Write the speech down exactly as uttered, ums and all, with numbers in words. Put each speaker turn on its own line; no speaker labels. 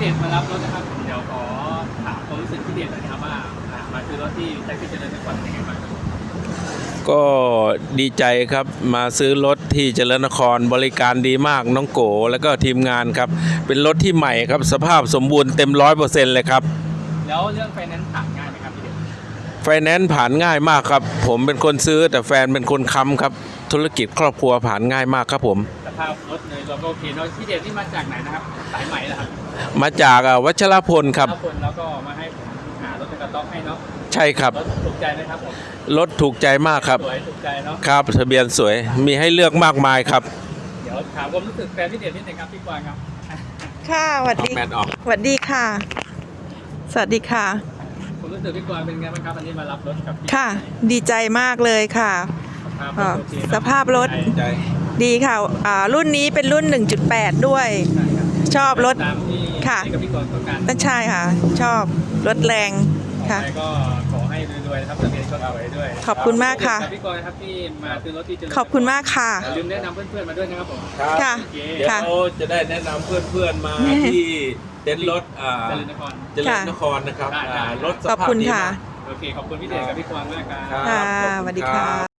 เดชมารับรถนะครับเดี๋ยวขอถามความรู้สึกพี่เดชหน่อยนะครับว่ามาซื้อรถที่แท็กซี่เจริญนครเป็นยังไงบ้างครับ
ก็ดีใจครับมาซื้อรถที่เจริญนครบริการดีมากน้องโกแล้วก็ทีมงานครับเป็นรถที่ใหม่ครับสภาพสมบูรณ์เต็มร้อยเปอร์เซ็นต์เลยครับ
แล้วเรื่องไฟแนนซ์ผ่านง่ายไหมครับพี่เดช
ไฟแนนซ์ผ่านง่ายมากครับผมเป็นคนซื้อแต่แฟนเป็นคนค้ำครับธุรกิจครอบครัวผ่านง่ายมากครับผม
สภาพรถเลยเราก็โอเคเนาะพี่เดชนี่มาจากไหนนะครับสายใหม่เหรอครับ
มาจากวัชรพลครับ
แล้วคนแล้วก็มาให้ผมหารถในกระต๊อกให้เนาะ
ใช่ครับ
รถถูกใจไหมครับผม
รถถูกใจมากครับ
สวยถูกใจเนาะ
ครับทะเบียนสวยมีให้เลือกมากมายครับ
เดี๋ยวถามความรู้สึกแฟนพี่เดชนิดนึงครับพี่กวางครับ
ค่ะสวัสดี
แมทออก
สวัสดีค่ะสวัสดีค่ะ
ความรู้สึกพี่กวางเป็นไงบ้างครับวันนี้มารับรถกับพี่
ค่ะดีใจมากเลยค่ะสภาพรถดีค่ะรุ่นนี้เป็นรุ่น หนึ่งจุดแปด ด้วยชอบรถค่ะนั่นใช่ค่ะชอบรถแรงค่ะ
ก็ขอให้รวยๆนะครับทะเบียนก็สวยด้วย
ขอบคุณมากค่ะ
พี่กวางครับที่มาซื้อรถที่
ขอบคุณมากค่ะ
ลืมแนะนำเพื่อนๆมาด้วยนะครับผม
ค่ะ
เดี๋ยวจะได้แนะนำเพื่อนๆมาที่เต็นท์รถเจริญนครเจริญนครนะครับรถสภาพดีมาก
โอเคขอบคุณพี่เดชกับพี่กวางมากครับ
ค่ะสวัสดีค่ะ